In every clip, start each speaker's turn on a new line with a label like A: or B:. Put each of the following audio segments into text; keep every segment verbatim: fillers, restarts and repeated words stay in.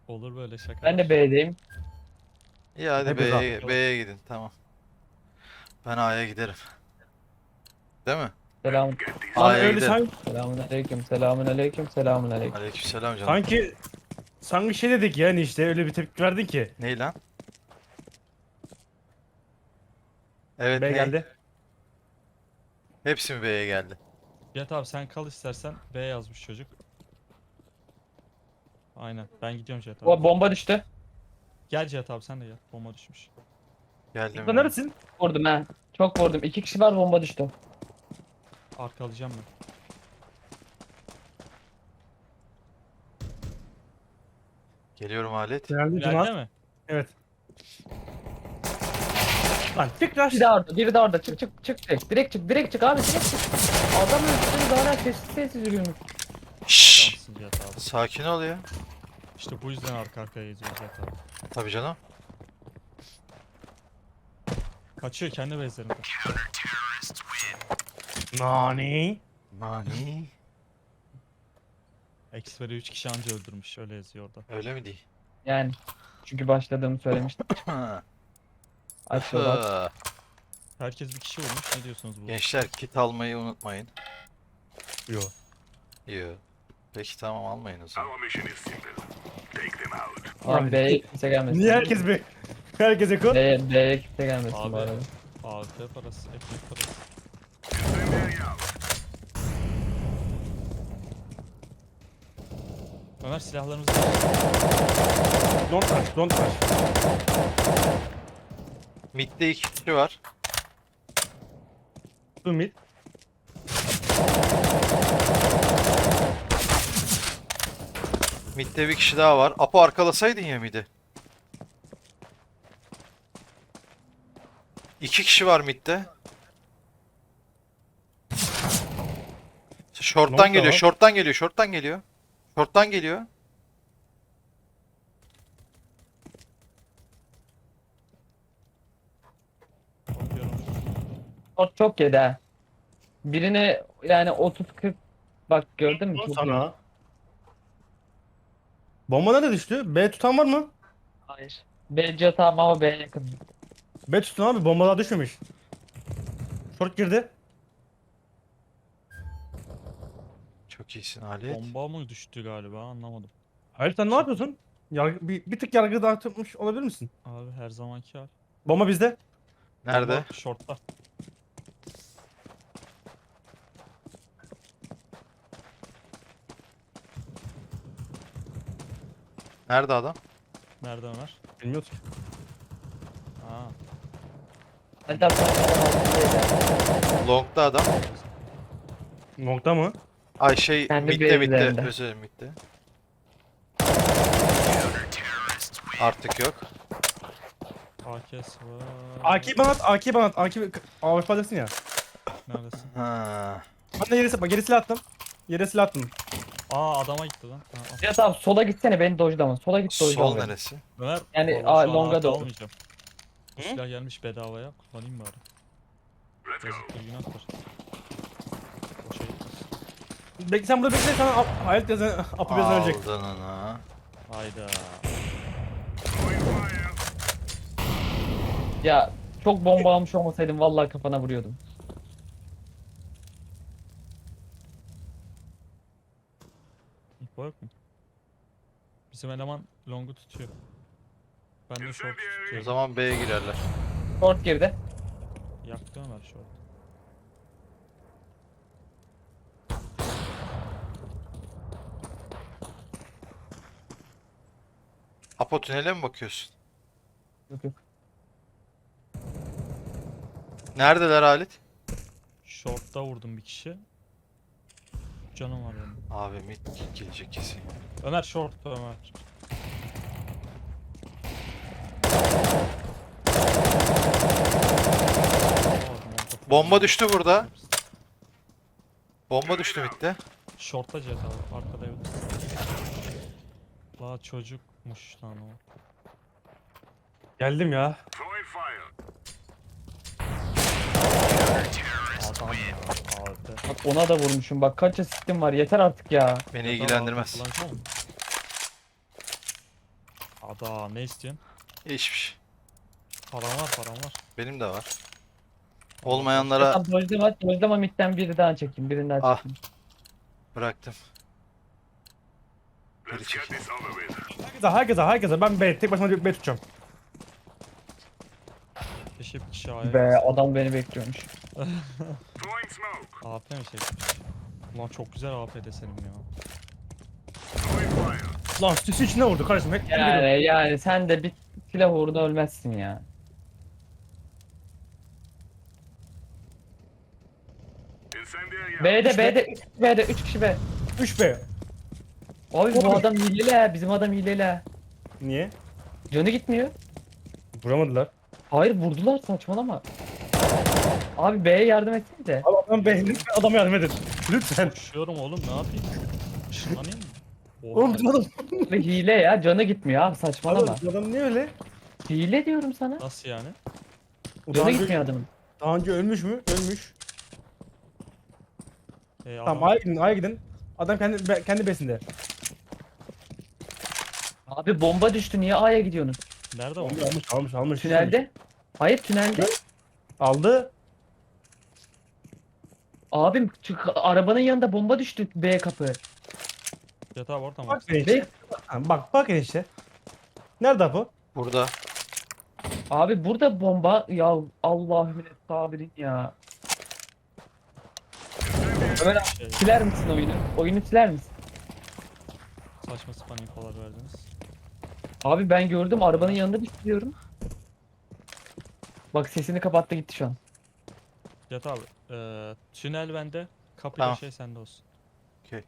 A: Olur böyle şaka.
B: Ben de B'deyim.
C: İyi hadi
D: Hepimiz
C: B'ye
A: abi.
C: B'ye gidin tamam. Ben A'ya giderim. Değil mi?
B: Selamun.
D: Lan
C: A'ya
D: öyle
C: gidelim.
D: sanki,
B: Selamun aleyküm. Selamun aleyküm. Selamun aleyküm.
C: Aleykümselam canım.
D: sanki sanki şey dedik yani işte öyle bir tepki verdin ki.
C: Ney lan? Evet
D: B
C: ney?
D: geldi.
C: Hepsi mi B'ye geldi?
A: Cihat abi sen kal istersen. B yazmış çocuk. Aynen. Ben gidiyorum Cihat abi.
B: O bomba düştü.
A: Gel Cihat abi sen de gel. Bomba düşmüş.
C: Geldim
D: Lan
C: ya.
D: neresin?
B: Vurdum ha. Çok vurdum. İki kişi var, bomba düştü.
A: Arkalayacağım ben.
C: Geliyorum alet.
D: Geldi
A: İleride
D: Cuma.
A: mi?
D: Evet. Lan tekrar.
B: Biri de orada. Biri de orada. Çık çık çık. Direkt, direkt çık. Direkt çık abi. Direkt çık. Adam öldürdüğünü daha hala sessiz sessiz yürüyormuş.
C: Şşş.
A: Adamsın Cihat abi.
C: Sakin ol ya.
A: İşte bu yüzden arka arkaya geziyoruz Cihat abi.
C: Tabii canım.
A: Kaçıyor kendi bezlerinde.
D: Nani?
C: Mani.
A: Xperi üç kişi anca öldürmüş. Öyle yazıyor orada.
C: Öyle mi değil?
B: Yani. Çünkü başladığımı söylemiştim. Açıyorlar.
A: Herkes bir kişi vurmuş. Ne diyorsunuz bu?
C: Gençler kit almayı unutmayın.
D: Yo.
C: Yo. Peki tamam almayın o zaman.
E: Our mission is simple. Take them out.
B: Abi B'ye kimse gelmesin.
D: Niye herkes be? Herkes eko?
B: B'ye, B'ye kimse gelmesin
A: Abi.
B: bu arada.
A: A F P parası, ekmek parası.
E: Incendiary out.
A: Ömer silahlarımızı
D: Don't touch, don't touch.
C: Mid'de iki kişi var.
D: Two mid.
C: Mid'de bir kişi daha var. Apo arkalasaydın ya mid'i. İki kişi var mid'de. Short'tan
D: Long da
C: geliyor,
D: var.
C: short'tan geliyor, short'tan geliyor. Short'tan geliyor.
A: bakıyorum.
B: Çok, çok yedi ha. Birine yani otuz kırk, bak gördün mü?
D: Lan
B: Çok-
D: sana. Bomba nerede düştü? B tutan var mı?
B: Hayır. B tamam ama B'ye yakın.
D: B tutun abi, bombalar düşmemiş. Short girdi.
C: Çok iyisin Halit.
A: Bomba mı düştü galiba anlamadım.
D: Hayır sen ne yapıyorsun? Yargı, bir, bir tık yargı dağıtmış olabilir misin?
A: Abi her zamanki hal.
D: Bomba bizde.
C: Nerede?
A: Bomba short'ta.
C: Nerede adam?
A: Nerede Ömer?
D: Bilmiyoruz ki.
A: Aa.
B: Ben de altındaydı.
C: Long'da adam.
D: Nokta mı?
C: Ay şey
B: Kendi
C: mid'de mid'de.
B: base'lerinde.
C: Özür dilerim mid'de. Artık yok.
A: A K S var.
D: A K'yi bana at, A K'yi bana at. A K'yi A F P'desin ya.
A: Neredesin?
C: Ha.
D: Ben de yere, bak yere silah attım. Yere silah attım.
A: Aa adama gitti lan. Ha, al.
B: Ya tamam, sola gitsene, beni dojlama. Sola git,
C: Sol
B: dojlama beni.
C: neresi?
A: Ömer.
B: Yani,
A: o-
B: a-
A: şu an
B: longa
A: artı
B: doğru.
A: almayacağım. Bu
D: Hı?
A: silah gelmiş bedavaya. Kullanayım bari.
E: Let's go.
A: Yazıktır günahtır. Boşa gitmez.
D: Bekle sen burada bekle, sana ap- Hayalet yazan, apı yazan ölecek.
C: Aldın onu.
A: Hayda.
E: Throwing fire.
B: Ya çok bomba almış olmasaydım vallahi kafana vuruyordum.
A: İhbar yok mu? Bizim eleman long'u tutuyor. Ben de short
C: O
A: tutuyorum.
C: zaman B'ye girerler.
B: Short girdi.
A: Yaktı Ömer short.
C: Apo tünele mi bakıyorsun?
B: Yok yok.
C: Neredeler Halit?
A: Short'ta vurdum bir kişi. Canım var benim.
C: Abi mid gelecek kesin.
A: Ömer short'ta Ömer.
C: Bomba düştü burada. Bomba düştü mid'de.
A: Short'ta Cihat abi. Arkada yok. La çocukmuş lan o.
D: Geldim ya.
E: Throwing fire.
A: Adam ya. Abi.
B: Bak ona da vurmuşum. Bak kaç asistim var. Yeter artık ya.
C: Beni ilgilendirmez.
A: Kullanacak mı? Adam ne istiyorsun?
C: Hiçbir şey.
A: Param var param var.
C: Benim de var. Olmayanlara
B: Tamam dojlama, dojlama midden biri daha çekeyim. Birini daha
C: Ah.
B: çekeyim.
C: bıraktım. Geri
E: Let's get
C: çekil.
E: this over with.
D: Herkese herkese herkese ben B tek başıma B tutacağım.
A: Keşke bir kişi A'ya
B: Be
A: gelse.
B: adam beni bekliyormuş.
E: Throwing smoke.
A: A P mi çekmiş? Ulan çok güzel A P desenim ya.
E: Throwing fire.
D: Lan sisi içine vurdu kardeşim. Hep
B: Yani yani sen de bir silah uğruna ölmezsin ya.
E: Incendiary out.
B: B'de B'de üç kişi B'de üç kişi B.
D: üç B.
B: Abi bu adam hileli ha. Bizim adam hileli ha.
D: Niye?
B: Canı gitmiyor.
D: Vuramadılar.
B: Hayır vurdular saçmalama. Abi B'ye yardım etsene de.
D: Abi adam B'nin adama yardım edin. Lütfen.
A: Koşuyorum oğlum ne yapayım? Işınlanayım mı? Oha.
D: Oğlum bizim adam.
B: Abi hile ya canı gitmiyor abi saçmalama.
D: Oğlum, bizim adam niye öyle?
B: Hile diyorum sana.
A: Nasıl yani?
D: O daha
B: Canı
D: önce,
B: gitmiyor adamın.
D: daha önce ölmüş mü? Ölmüş.
A: Ee,
D: Tamam
A: adam-
D: A'ya gidin A'ya gidin. Adam kendi be- kendi besinde.
B: Abi bomba düştü niye A'ya gidiyorsunuz?
A: Nerede o?
D: Almış almış almış. almış.
B: Tünelde. Hayır tünelde.
D: Aldı.
B: Abim çık arabanın yanında bomba düştü B kapı.
A: Yatağı var tamam.
D: Bak enişte.
B: B
D: Ha, Bak bak enişte. Nerede bu?
C: Burada.
B: abi burada bomba ya Allahümme sabirin ya. Ömer abi,
A: Şey,
B: siler misin oyunu? Oyunu siler misin?
A: saçma sapan infolar verdiniz.
B: Abi ben gördüm arabanın yanında düşüyorum. Bak sesini kapattı gitti şu an.
A: Yat abi. Eee tünel bende. Kapı
C: Tamam.
A: şey sende olsun.
C: Okey.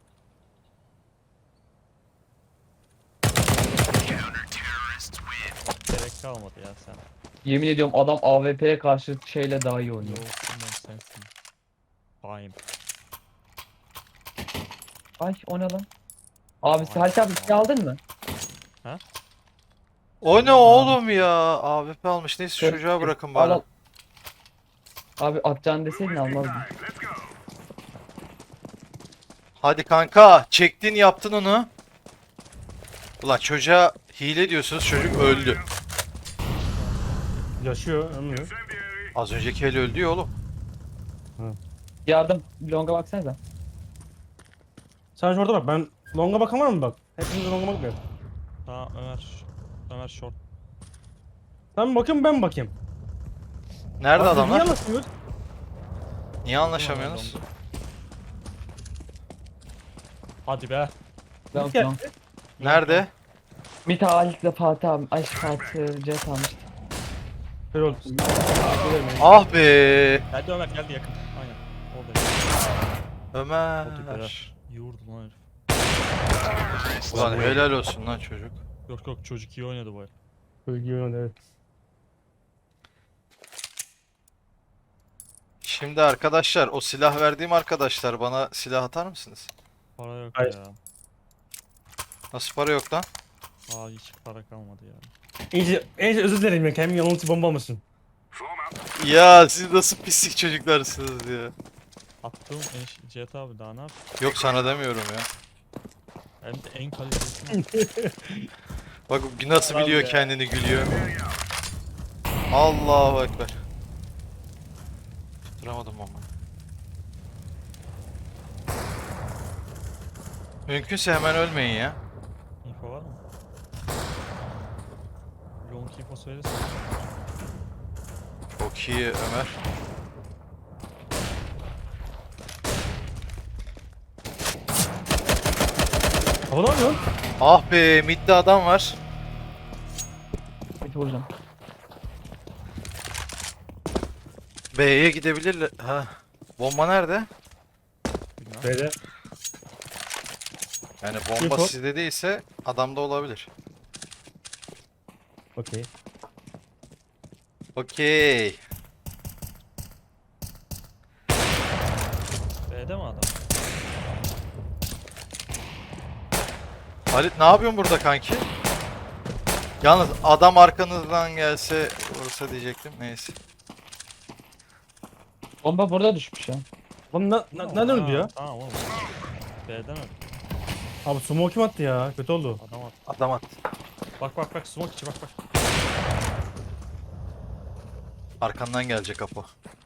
A: Gerek kalmadı ya sen.
B: Yemin ediyorum adam A W P'ye karşı şeyle daha iyi oynuyor.
A: Yok bilmem sensin. Bayım.
B: Ay o ne lan? Abi Halit abi silah aldın mı?
C: O ne oğlum ya? A W P almış. Neyse
B: Şöyle-
C: çocuğa bırakın
B: Al,
C: bari.
B: al. Abi atacağını deseydin almazdım.
E: Let's go.
C: Hadi kanka. Çektin yaptın onu. Ulan çocuğa hile diyorsunuz. Çocuk öldü.
D: Yaşıyor, ölmüyor.
E: Incendiary.
C: Az önceki el öldü ya oğlum.
B: Yardım. Longa baksanıza.
D: Sen şurada bak, ben longa bakan var mı bak? Hepiniz longa bakmıyor.
A: Tamam Ömer. Ömer short.
D: Sen mi bakayım ben mi bakayım?
C: Nerede
D: Abi, Niye
C: adamlar?
D: anlatmıyoruz?
C: Niye anlaşamıyorsunuz?
A: Hadi be.
B: Long
D: Gel.
B: long.
C: Nerede?
B: Mita Halit'le Fatih abi. Ay Fatih Cet almıştı.
D: Şöyle oldu.
C: Ah be.
A: Geldi Ömer geldi yakın. Aynen. Orada. Hadi be.
C: Ömer.
A: İyi vurdu lan herif.
C: Ulan helal olsun lan çocuk.
A: Yok yok çocuk iyi oynadı bu el.
D: Böyle gibi oynadı, evet.
C: Şimdi arkadaşlar o silah verdiğim arkadaşlar bana silah atar mısınız?
A: Para yok
D: Hayır.
A: ya.
C: Nasıl para yok lan?
A: Aa hiç para kalmadı ya.
D: İyice, iyice özür dilerim ya, kendimi yanıltıcı bomba almışsın.
E: Form up.
C: Ya siz nasıl pislik çocuklarsınız ya.
A: Attığım eş Cihat abi daha ne yap?
C: Yok sana demiyorum ya.
A: Hem de en kalitesini.
C: Bak nasıl
D: Adam
C: biliyor
D: ya.
C: kendini gülüyor. Allahu ekber. Tutturamadım ama. Mümkünse hemen ölmeyin ya.
A: info var mı? Long info söylesin.
C: Çok iyi Ömer.
D: Hava ne yapıyorsun?
C: Ah be midde adam var.
B: Mita vuracağım.
C: B'ye gidebilirler. Ha. Bomba nerede?
A: Bilmem.
D: B'de.
C: Yani bomba
D: Info.
C: sizde değilse adamda olabilir.
D: Okey.
C: Okey.
A: B'de mi adam?
C: Halit ne yapıyorsun burada kanki? Yalnız adam arkanızdan gelse vursa diyecektim. Neyse.
B: Bomba burada düşmüş ya.
D: Oğlum ne, ne, nereden öldü ya?
A: Tamam oğlum. B'den öldü.
D: Abi sumo kim attı ya? Kötü oldu.
A: Adam attı.
C: Adam attı.
A: Bak bak bak smoke içi bak bak.
C: Arkandan gelecek Apo.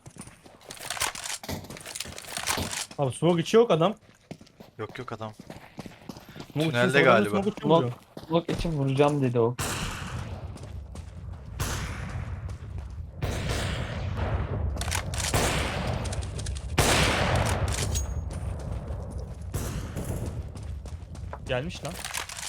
D: Abi smoke içi yok adam.
C: Yok yok adam.
D: Smoke içi
C: Tünelde
D: yok, adam da
C: galiba.
D: smoke içi
B: Ulan-
D: vuruyor.
B: Blok için vuracağım dedi o.
A: Gelmiş lan.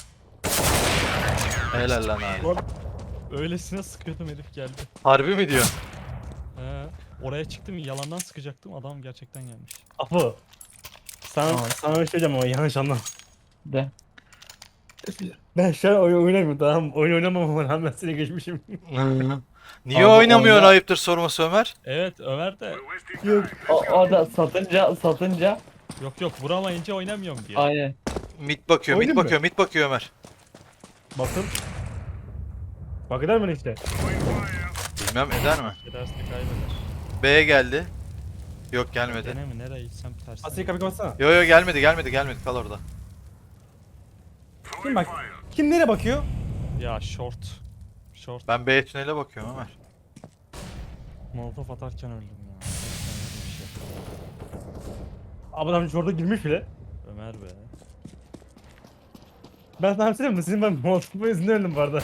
C: Helal lan abi.
A: Öylesine sıkıyordum herif geldi.
C: Harbi mi diyor?
A: He. Oraya çıktım yalandan sıkacaktım adam gerçekten gelmiş.
D: Apo. Sana,
B: Aa.
D: sana bir şey diyeceğim ama yanlış anlama.
B: De.
D: Ben şu an oyun oynamıyorum, tamam mı? Oyun oynamama rağmen seni geçmişim.
C: Niye
B: Abi
C: oynamıyorsun
B: oyna-
C: ayıptır sorması Ömer?
A: Evet Ömer de
E: We're wasting
D: Yok.
E: time.
B: O, o da satınca satınca
A: yok yok vuramayınca oynamıyorum diyor.
B: aynen.
C: Mid bakıyor, mid
D: Oynayayım mı?
C: bakıyor, mid bakıyor Ömer.
D: Bakın. Bak eder mi işte?
E: Throwing fire.
C: Bilmem eder mi?
A: Ederse kaybeder.
C: B'ye geldi. Yok gelmedi.
A: Gene mi nereye gitsem tersi.
D: Asya'yı kapıyı kapatsana.
C: Yo yo gelmedi, gelmedi, gelmedi. Kal orada.
D: Kim
E: Throwing
D: bak?
E: fire.
D: Kim nereye bakıyor?
A: Ya short. Short.
C: Ben B tünele bakıyorum Ömer.
A: Molotof atarken öldüm ya. Gerçekten öyle bir şey.
D: Adam orada girmiş bile.
A: Ömer be.
D: Ben sana bir şey diyeyim mi? Sizin ben Molotof'un yüzünden öldüm bu arada.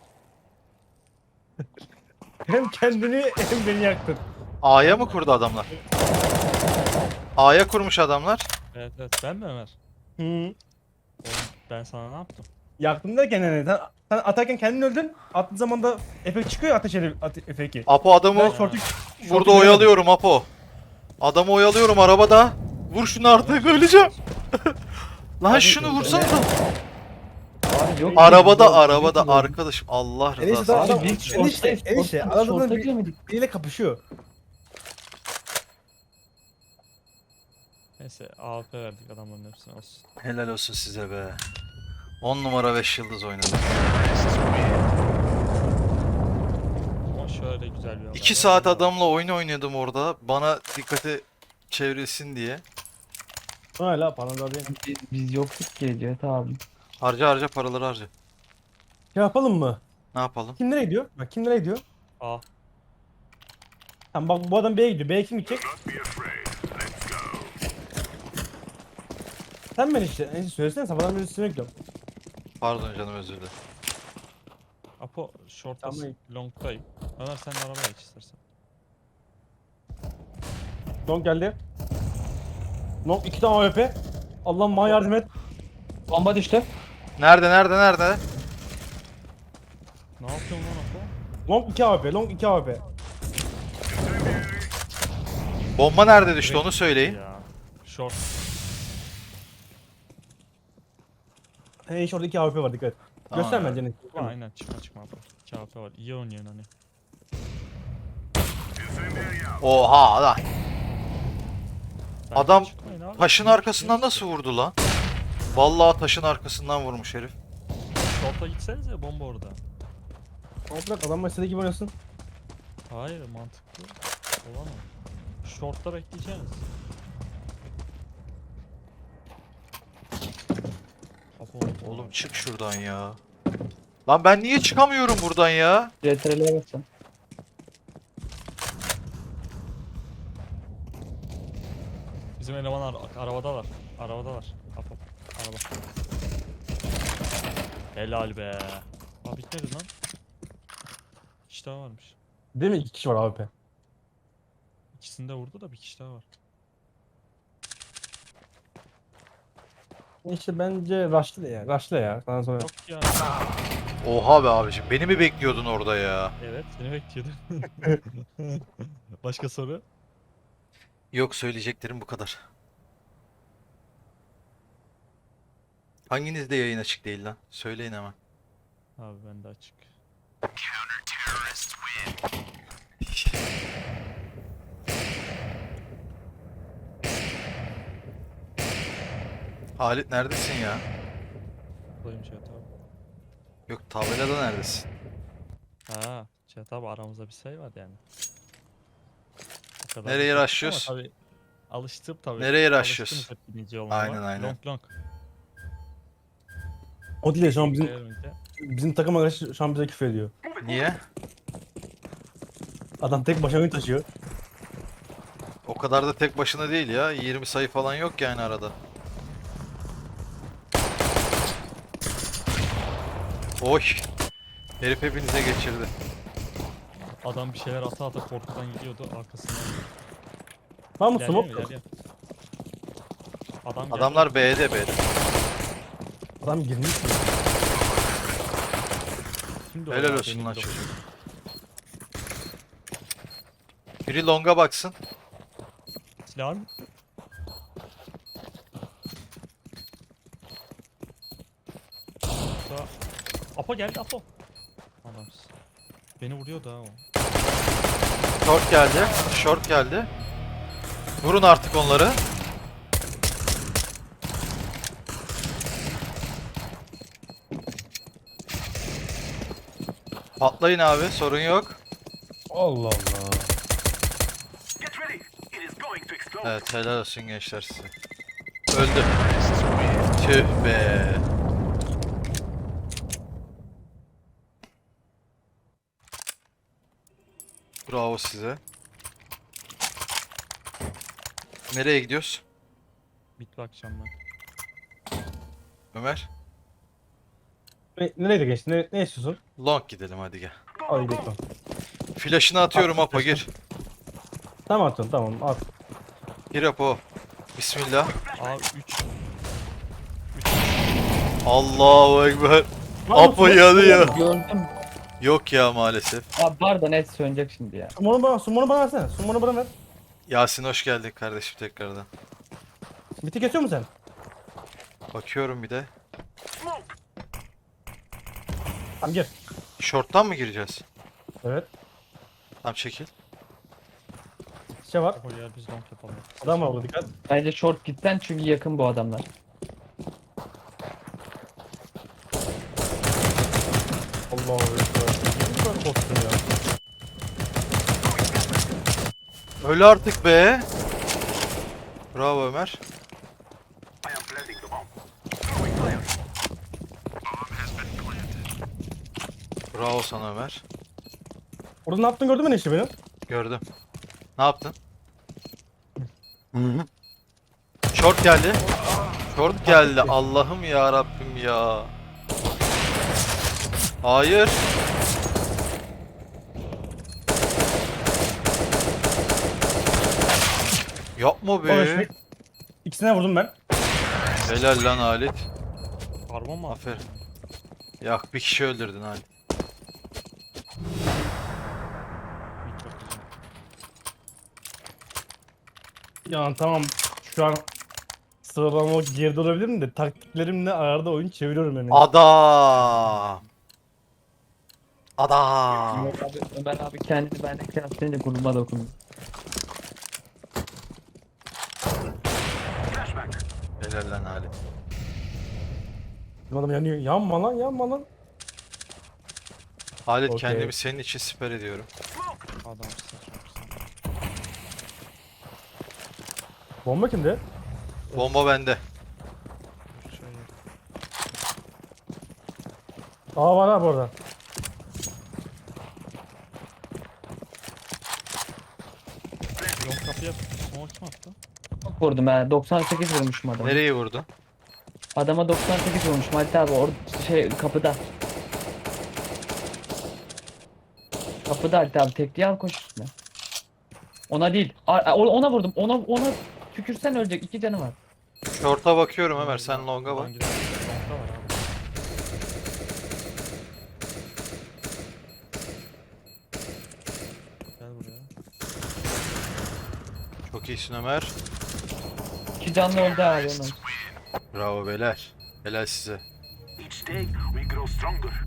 D: Hem kendini hem beni yaktın.
C: A'ya mı kurdu adamlar? A'ya kurmuş adamlar.
A: Evet evet ben mi Ömer?
D: Hı.
A: Oğlum ben sana ne yaptım?
D: Yaktın derken yani sen, sen atarken kendin öldün. Attığın zaman da efekt çıkıyor ya, ateş ede- ate- efekti.
C: Apo adamı
D: Ben şortu
C: burada oyalıyorum Apo. Adamı oyalıyorum arabada. Vur şunu artık öleceğim. Lan
D: Abi,
C: şunu vursana.
B: Abi yok.
C: Arabada
B: yok,
C: arabada
B: yok.
C: arkadaşım Allah
D: Enişte
C: rızası
D: daha
C: için.
D: adam
B: biz
D: enişte
B: şorttayız,
D: enişte
B: şortta-
D: adamın
B: şortta
D: bir,
B: giremedik.
D: biriyle kapışıyor.
A: Neyse A W P verdik adamların hepsine olsun.
C: Helal olsun size be. on numara beş yıldız oynadı.
A: Ama şöyle güzel bir olay
C: iki
A: var.
C: saat adamla oyun oynadım orada. Bana dikkati çevrilsin diye.
D: Hala paranı da bir.
B: Biz, biz yoktuk ki Cevdet abi.
C: Harca harca paraları harca.
D: Şey yapalım mı?
C: Ne yapalım?
D: Kim nereye gidiyor? Bak kim nereye gidiyor?
A: A.
D: Tamam bak bu adam B'ye gidiyor. B'ye kim gidecek?
E: Not be afraid. Let's go.
D: Sen ben işte. Enişte söylesene, sabahdan beri üstüne gidiyorum.
C: Pardon canım özür dilerim.
A: Apo short'ta
D: Tamam.
A: long'dayım. Ömer sen de arabaya geç istersen.
D: Long geldi. Long iki tane A W P. Allah'ım bana yardım et.
B: Bomba düştü.
C: Nerede nerede nerede?
A: Ne yapıyorsun lan Apo?
D: Long iki A W P. Long iki A W P.
C: Bomba nerede düştü onu söyleyin.
A: Ya. Short.
D: He iş orada iki A W P var, dikkat et.
C: Tamam
D: Göster
C: abi.
D: bence ne.
A: Çıkma aynen çıkma çıkma Apo. iki A W P var. İyi oynuyorsun hani.
E: Incendiary out.
C: Oha lan.
A: Bence
C: Adam
A: çıkmayın abi.
C: Taşın
A: Niye
C: arkasından
A: çıkıyorsun?
C: nasıl vurdu lan? Vallahi taşın arkasından vurmuş herif.
A: Short'a gitsenize bomba orada.
D: Toprak adam istediği gibi oynasın.
A: Hayır mantıklı. Olan o. Short'ta bekleyeceğiz. Apo,
C: Oğlum çık şuradan ya. Lan ben niye çıkamıyorum buradan ya?
B: C T R'lere basacağım.
A: Bizim eleman ar arabadalar. Arabadalar. Apo. Araba. Helal be. Aa bitmedi lan. Bir kişi daha varmış.
D: Değil mi? İki kişi var A W P.
A: İkisini de vurdu da bir kişi daha var.
D: İşte bence rush'lı ya. Rush'lı ya. Sana sonra.
A: Yok ya.
C: Oha be abicim beni mi bekliyordun orada ya?
A: Evet seni bekliyordum. Başka soru?
C: Yok söyleyeceklerim bu kadar. Hanginizde yayın açık değil lan? Söyleyin hemen.
A: Abi bende açık.
C: Halit neredesin ya?
A: Buradayım Cihat abi.
C: Yok tabelada neredesin?
A: Ha, Cihat abi aramızda bir şey var yani. O kadar
C: Nereye
A: da çok
C: rushlıyoruz?
A: ama tabii alıştım tabii.
C: Nereye
A: Alıştınız
C: rushlıyoruz?
A: hep birinci olmama.
C: Aynen, aynen.
A: Long long.
D: O değil şu an bizim
A: Gel önce.
D: bizim takım arkadaşı şu an bize küfür ediyor.
C: Niye?
D: Adam tek başına oyun taşıyor.
C: O kadar da tek başına değil ya. yirmi sayı falan yok yani arada. Oy. Herif hepinize geçirdi.
A: Adam bir şeyler ata ata korkudan gidiyordu arkasından.
D: Var mı
A: İlerliyor mu?
D: smoke?
A: İlerliyor. Adam geldi.
C: Adamlar B'de B'de.
D: Adam girmiş mi?
A: Kimdi o
C: Helal
A: ya?
C: olsun
A: Benim
C: lan
A: de o.
C: çocuk. Biri longa baksın.
A: Silah mı? Daha... Apo geldi Apo. Adamsın. Beni vuruyor daha o.
C: Short geldi. Short geldi. Vurun artık onları. Patlayın abi, sorun yok.
D: Allah Allah.
E: Get ready. It is going to explode.
C: Evet, helal olsun gençler size. Öldü. Tüh be. Bravo size. Nereye gidiyoruz?
A: Bit bakacağım ben.
C: Ömer?
D: Ne, nereye geçti? Ne, ne istiyorsun?
C: Long gidelim hadi gel.
D: Hadi gidelim.
C: Flash'ını atıyorum
D: At,
C: Apo gir.
D: Tamam atın tamam at.
C: Gir Apo. Bismillah.
A: Abi üç.
C: Allahu Ekber.
D: Var mı
C: Apo
D: smoke?
C: yanıyor.
B: Gördüm.
C: Yok ya maalesef.
B: Abi var da net sönecek şimdi ya.
D: Sumonu bana, sumonu bana versene. Sumonu bana ver.
C: Yasin hoş geldin kardeşim tekrardan.
D: Biti kesiyor musun sen?
C: Bakıyorum bir de.
D: Tamam gir.
C: Short'tan mı gireceğiz?
D: Evet.
C: Tamam çekil.
D: Şey var.
A: Apo gel biz long yapalım.
D: Adam var burada dikkat.
B: Bence short gitten çünkü yakın bu adamlar.
D: Allah Allah. Girmiş böyle kostüm ya.
C: Öyle artık be. Bravo Ömer.
E: I am planting the bomb. Throwing fire.
C: Bravo sana Ömer.
D: Orada ne yaptın gördün mü ne işte benim?
C: Gördüm. Ne yaptın? Short geldi. Short geldi. Allah'ım ya Rabbim ya. Hayır. Yapma
D: Orada
C: be.
D: işte. İkisine vurdum ben.
C: Helal lan Halit.
A: Karbon mu attın?
C: Aferin. Ya bir kişi öldürdün Halit.
A: Bit bakacağım.
D: Ya tamam şu an sıralama geride olabilirim de taktiklerimle arada oyun çeviriyorum yani.
C: Adam. Adam.
B: Ömer abi, Ömer abi kendini benden kıyaslayınca gururuma dokunuyor.
E: Flashback.
C: Helal lan Halit.
D: Adam yanıyor. Yanma lan yanma lan.
C: Halit
D: Okey.
C: kendimi senin için siper ediyorum.
A: Adamsın çok güzel.
D: Bomba kimde?
C: Bomba bende.
A: Şöyle.
D: Aa var ha bu arada.
A: Long kapıya smoke kim attı?
B: Çok vurdum ha. doksan sekiz vurmuşum adama.
C: Nereye vurdun?
B: Adama doksan sekiz vurmuşum. Halit abi orada şey kapıda. Kapıda Halit abi tekliği al koş üstüne. Ona değil. A- a- Ona vurdum. Ona ona tükürsen ölecek. İki canı var.
C: Short'a bakıyorum Ömer sen long'a bak.
A: Long gidelim. Long'da var abi. Gel buraya.
C: Çok iyisin Ömer.
B: İki canlı öldü abi onun.
C: Bravo beyler. Helal size.
E: Each day we grow stronger.